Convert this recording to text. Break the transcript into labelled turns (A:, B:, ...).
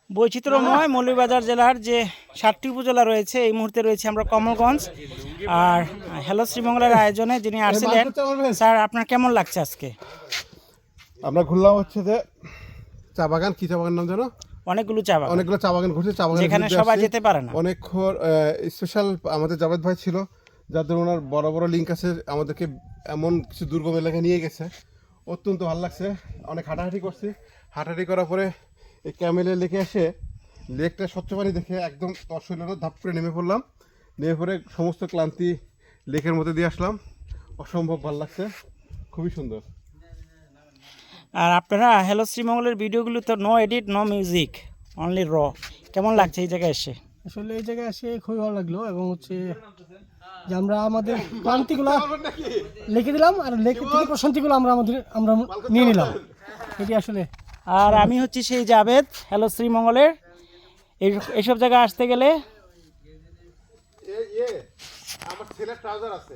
A: বৈচিত্র্যময় মৌলভীবাজার জেলার যে 7টি উপজেলা রয়েছে, এই মুহূর্তে রয়েছে আমরা কমলগঞ্জ। আর হ্যালো শ্রীমঙ্গলের আয়োজনে যিনি আসছিলেন, স্যার আপনার কেমন লাগছে আজকে?
B: আমরা ঘুরলাম হচ্ছে যে চা বাগান, কি চা বাগান নাম জানো?
A: অনেকগুলো চা বাগান,
B: অনেকগুলো চা বাগান ঘুরছে, চা বাগান
A: যেখানে সবাই যেতে পারে না।
B: অনেকক্ষণ স্পেশাল আমাদের জাভেদ ভাই ছিল, যাদের ওনার বড় বড় লিঙ্ক আছে, আমাদেরকে এমন কিছু দুর্গম এলাকায় নিয়ে গেছে, অত্যন্ত ভালো লাগছে। অনেক হাঁটাহাঁটি করছি, হাঁটাহাঁটি করার পরে এই ক্যামেলের লেকে এসে লেকটা স্বচ্ছ পানি দেখে একদম অশৈল ধাপ করে নেমে পড়লাম। নেমে পড়ে সমস্ত ক্লান্তি লেকের মধ্যে দিয়ে আসলাম। অসম্ভব ভালো লাগছে, খুবই সুন্দর।
A: আর আপনারা হ্যালো শ্রীমঙ্গলের ভিডিওগুলো তো no edit, no music, only raw. কেমন লাগছে এই জায়গায় এসে?
C: আসলে এই জায়গায় এসে খুবই ভালো লাগলো, এবং হচ্ছে যে আমরা আমাদের ক্লান্তিগুলো লিখে দিলাম, আর লেখে থেকে প্রশান্তিগুলো আমরা নিয়ে নিলাম, এটি আসলে।
A: আর আমি হচ্ছি সেই জাভেদ, হ্যালো শ্রীমঙ্গলের। এইসব জায়গায় আসতে গেলে
B: আমার ছেলের ট্রাউজার আছে।